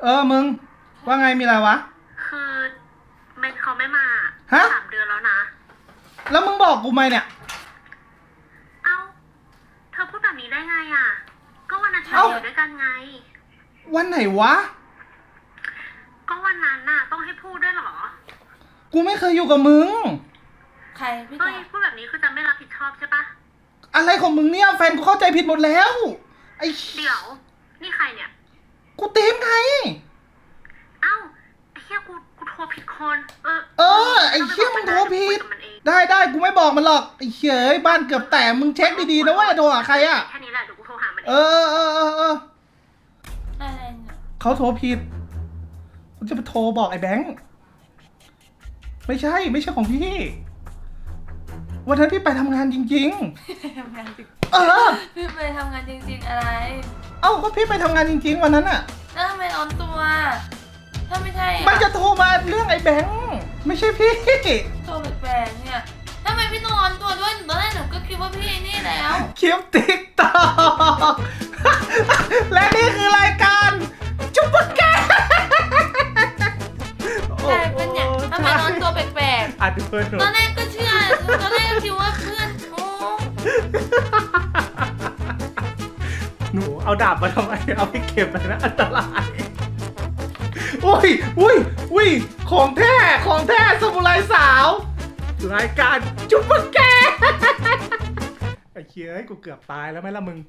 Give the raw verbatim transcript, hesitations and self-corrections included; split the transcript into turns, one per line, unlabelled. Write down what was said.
เออมึงว่าไงมีอะไรวะ
คือเมนเขาไม่มา
ฮะ
สามเดือนแล้วนะ
แล้วมึงบอกกูไหมเนี่ย
เอ้าเธอพูดแบบนี้ได้ไงอ่ะก็วันนั้นเราอยู่ด้วยกันไง
วันไหนวะ
ก็วันนั้นน่ะต้องให้พูดด้วยเหรอ
กูไม่เคยอยู่กับมึง
ใครพี่
เฮ้
จ๋าย
พูดแบบนี้คือจะไม่รับผิดชอบใช่ปะ
อะไรของมึงเนี่ยแฟนกูเข้าใจผิดหมดแล้วไอ้
เดี๋ยวนี่ใครเนี่ย
กูตีมไง
เอ้าไอ้เหี้ยกูกูโทรผิดคนเออ
เออไอ้เหี้ยมึงโทรผิดได้ได้กูไม่บอกมันหรอกไอ้เหี้ยบ้านเกือบแตกมึงเช็คดีๆนะว่าโทรหาใครอ่ะ
แค่นี้แหละเดี๋ยวกูโทรหามันเอ
เออเออเออเออ
อะไรเนี่ย
เขาโทรผิดกูจะไปโทรบอกไอ้แบงค์ไม่ใช่ไม่ใช่ของพี่วันนั้นพี่ไปทำงานจริง
ไปทำงานจริง
ๆ เออ
พี่ไปทำงานจริง ๆอะไร
เอ้าก็พี่ไปทำงานจริง ๆ วันนั้นอ่ะ
แล้วทำไมร้อนตัว ถ้าไม่ใช่อ
มันจะโทรมาเรื่องไอ้แบงค์ไม่ใช่พี่
โทรแปลกๆเนี่ยทำไมพี่ต้องร้อนตัวด้วยตอนแรกหนูก็คิดว่าพี่นี่แล้ว
คลิปติ๊กต็อกและนี่คือรายการจุ๊บปะแก
ใช่เป็นอย่างทำไมร้อนตัวแปลก
อ่ะดูเพื่อนหนู
ๆตอนแรกก็เชื่อตอนแรกก็คิดว่าเพื่อนโอ้
หนูเอาดาบมาทำไมเอาไปเก็บเลยนะอันตรายอุ้ยอุ้ยอุ้ยของแท้ของแท้สมุไรสาวรายการจุ๊บปะแกไอ้เคียให้กูเกือบตายแล้วไหมล่ะมึง